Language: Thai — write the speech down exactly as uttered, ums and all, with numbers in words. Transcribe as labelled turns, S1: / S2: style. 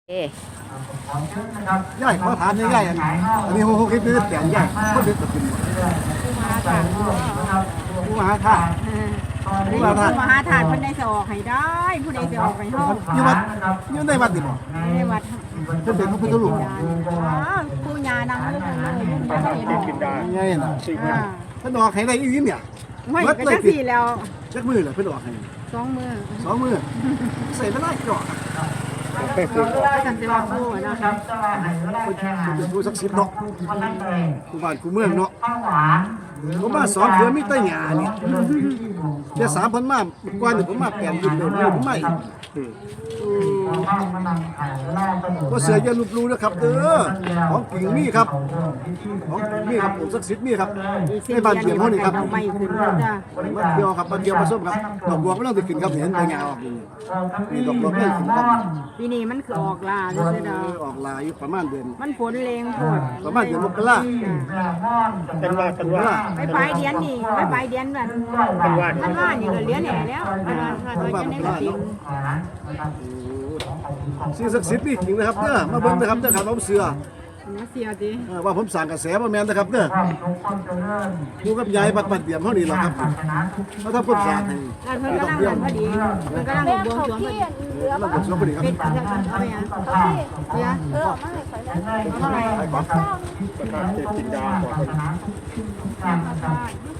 S1: เอ๊ะ
S2: ย่ายเขาถามย่ายอันอันนี้โฮโฮคิดนี่เสียงย่ายเขาดึกกับกิน
S1: ผู้มหาถาด
S2: ผู้มหาธาตุ
S1: ผู้มหาถาดผู้มหาถาดเพิ่นได้สิออกให้ได้ผู้ใดสิออกให้เฮา
S2: อยู่วัดอยู่ในวัดดิบ่
S1: ในวัด
S2: เพิ่นเป็นพระพุทธรูป
S1: อ๋อผู้ญานำลูกเลยลูกยังเห็น
S3: กินได้
S2: ไงน่ะ
S1: อ่า
S2: เพิ่นออกให้ได้อีหลีเนี่ย
S1: ไม่ก็จังซี่แล้ว
S2: จักมือเลยเพิ่นออกให้
S1: สองมือ
S2: สองมือใส่เวลาจ่อ
S1: ก็จังสิว่าผู้นะครับ
S2: เป็นผู้ศักดิ์สิทธิ์เนาะผู้บ้านผู้เมืองเนาะผมมาสองเดือนมีแต่หญ้านี่แค่สามพันมาก่อนนี่ผมมาแปดยุคเลยผมมาอีกก็เสืออย่าลุบลูนะครับเด้อของกิ่งมีครับของกิ่งมีครับผมศักดิ์สิทธิ์มีครับในบ้านเดียวเฮานี่ครับ
S1: เอาไม่ขึ้นจ้ะ
S2: มาเที่ยวครับมาเที่ยวมาส้มครับดอกบัวไม่ต้องติดขึ้นครับเห็นใบหญ้าออกนี่นี่ดอกบัวไม่ต้องขึ้นครับ
S1: ปีนี้มันคือออกล่าเด้อดา
S2: ออกลายอยู่ประมาณเดือน
S1: มันฝนแรงโพด
S2: ประมาณเดือนมกรา
S3: เป็นว่าเป็นว่า
S1: ไปปลายเดือนนี่ไปปลายเดือนแบบมันว่านี่ก็เลี้ยงแหน่แล้วมันว่าว่าจะได้ก็ติง
S2: สิ่งศักดิ์สิทธิ์นี่จริงนะครับเด้อมาเบิ่งนะครับเด้อครับผมเสือ
S1: มาเสียดิ
S2: เออว่าผมสั่งกระแสมาแม่นนะครับเด้อดูกับยายบัดบัดเตรียมเท่านี้แหละครับเขาทำความสะอาดให้
S1: แล้วเพิ่นกำลังเดินพอดีเพิ่นกำลังบวงสรวงพอดี
S2: เราบวงสรวงพอดีครับ
S1: เป็นจังซั่นเอาไปอ่ะเสีย
S4: เออไม่ขอได้
S1: เอาเท่าไหร่
S3: ประกาศเจ็ดกินดาก่อน